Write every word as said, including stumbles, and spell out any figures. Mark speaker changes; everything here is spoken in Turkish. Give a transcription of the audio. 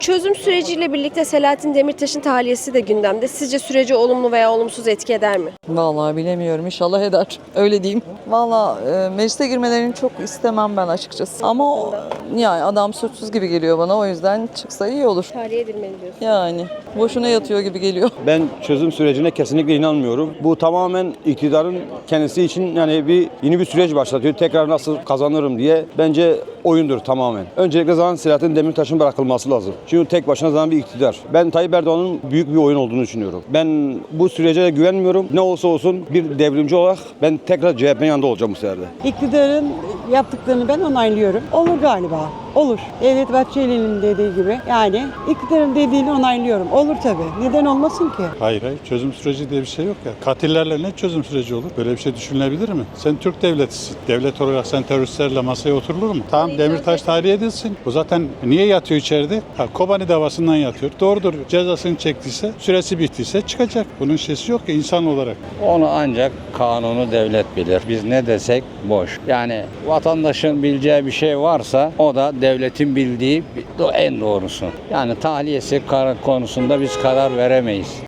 Speaker 1: Çözüm süreciyle birlikte Selahattin Demirtaş'ın tahliyesi de gündemde. Sizce süreci olumlu veya olumsuz etki eder mi?
Speaker 2: Vallahi bilemiyorum. İnşallah eder. Öyle diyeyim. Vallahi e, meclise girmelerini çok istemem ben açıkçası. Ama o- yani adam suçsuz gibi geliyor bana. O yüzden çıksa iyi olur.
Speaker 1: Tahliye edilmeli diyorsun.
Speaker 2: Yani boşuna yatıyor gibi geliyor.
Speaker 3: Ben çözüm sürecine kesinlikle inanmıyorum. Bu tamamen iktidarın kendisi için yani bir yeni bir süreç başlatıyor. Tekrar nasıl kazanırım diye. Bence oyundur tamamen. Öncelikle zaman Selahattin Demirtaş'ın bırakılması lazım. Çünkü tek başına zaman bir iktidar. Ben Tayyip Erdoğan'ın büyük bir oyun olduğunu düşünüyorum. Ben bu sürece de güvenmiyorum. Ne olsa olsun bir devrimci olarak ben tekrar C H P'nin yanında olacağım bu sefer de.
Speaker 4: İktidarın yaptıklarını ben onaylıyorum. Olur galiba. Olur. Devlet Bahçeli'nin dediği gibi. Yani iktidarın dediğini onaylıyorum. Olur tabii. Neden olmasın ki?
Speaker 5: Hayır hayır çözüm süreci diye bir şey yok ya. Katillerle ne çözüm süreci olur? Böyle bir şey düşünülebilir mi? Sen Türk devletisin. Devlet olarak sen teröristlerle masaya oturulur mu? Tamam Demirtaş tahliye edilsin. Bu zaten niye yatıyor içeride? Ha, Kobani davasından yatıyor. Doğrudur. Cezasını çektiyse, süresi bittiyse çıkacak. Bunun şeysi yok ki insan olarak.
Speaker 6: Onu ancak kanunu devlet bilir. Biz ne desek boş. Yani vatandaşın bileceği bir şey varsa o da devletin bildiği en doğrusu. Yani tahliyesi konusunda biz karar veremeyiz.